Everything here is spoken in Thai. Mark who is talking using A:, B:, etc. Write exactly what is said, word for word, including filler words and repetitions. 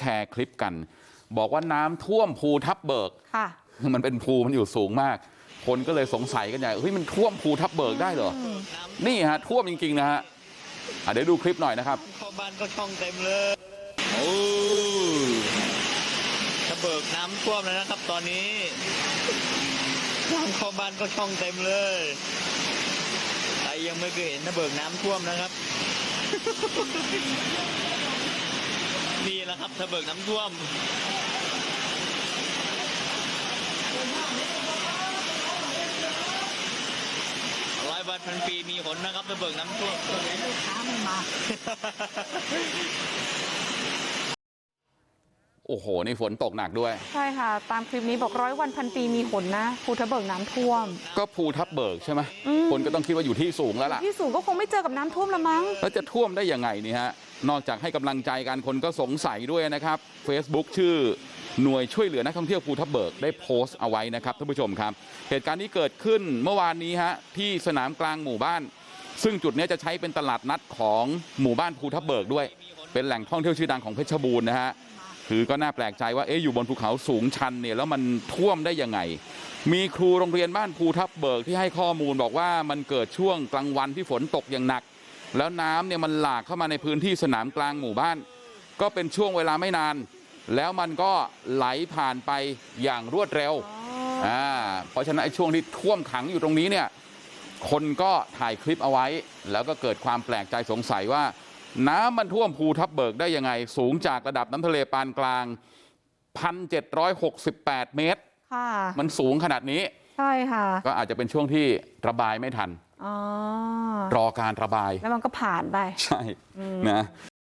A: ชร์คลิปกันบอกว่าน้ำท่วมภูทับเบิกค่ะมันเป็นภูมันอยู่สูงมากคนก็เลยสงสัยกันใหญ่เฮ้ยมันท่วมภูทับเบิกได้เหรอนี่ฮะท่วมจริงๆนะฮะเดี๋ยวดูคลิปหน่อยนะครับ
B: เข้าบ้านก็ช่องเต็มเลยโอ้ทับเบิกน้ำท่วมแล้วนะครับตอนนี้น้ำเข้าบ้านก็ช่องเต็มเลยใครยังไม่เคยเห็นทับเบิกน้ำท่วมนะครับนี่แหละครับทับเบิกน้ำท่วมร้อยวันพันปีมีหนนะครับทับเบิกน้ำท่วมลูกค้าไม่มา
A: โอ้โหนี่ฝนตกหนักด้วย
C: ใช่ค่ะตามคลิปนี้บอกร้อยวันพันปีมีหนนะภูทับเบิกน้ำท่วม
A: ก็ภูทับเบิกใช่ไหมคนก็ต้องคิดว่าอยู่ที่สูงแล้วล่ะ
C: ที่สูงก็คงไม่เจอกับน้ำท่วมละมั้ง
A: แล้วจะท่วมได้ยังไงนี่ฮะนอกจากให้กำลังใจกันคนก็สงสัยด้วยนะครับ Facebook ชื่อหน่วยช่วยเหลือนักท่องเที่ยวภูทับเบิกได้โพสต์เอาไว้นะครับท่านผู้ชมครับเหตุการณ์นี้เกิดขึ้นเมื่อวานนี้ฮะที่สนามกลางหมู่บ้านซึ่งจุดนี้จะใช้เป็นตลาดนัดของหมู่บ้านภูทับเบิกด้วยเป็นแหล่งท่องเที่ยวชื่อดังของเพชรบูรณ์นะฮะคือก็น่าแปลกใจว่าเอ๊ะอยู่บนภูเขาสูงชันเนี่ยแล้วมันท่วมได้ยังไงมีครูโรงเรียนบ้านภูทับเบิกที่ให้ข้อมูลบอกว่ามันเกิดช่วงกลางวันที่ฝนตกอย่างหนักแล้วน้ำเนี่ยมันหลากเข้ามาในพื้นที่สนามกลางหมู่บ้านก็เป็นช่วงเวลาไม่นานแล้วมันก็ไหลผ่านไปอย่างรวดเร็วอ่าเพราะฉะนั้นไอ้ช่วงที่ท่วมขังอยู่ตรงนี้เนี่ยคนก็ถ่ายคลิปเอาไว้แล้วก็เกิดความแปลกใจสงสัยว่าน้ำมันท่วมภูทับเบิกได้ยังไงสูงจากระดับน้ำทะเลปานกลาง หนึ่งพันเจ็ดร้อยหกสิบแปด เมตรค่ะมันสูงขนาดนี้
C: ใช่ค่ะ
A: ก็อาจจะเป็นช่วงที่ระบายไม่ทัน
C: อ๋อ
A: รอการระบาย
C: แล้วมันก็ผ่านไป
A: ใช่นะ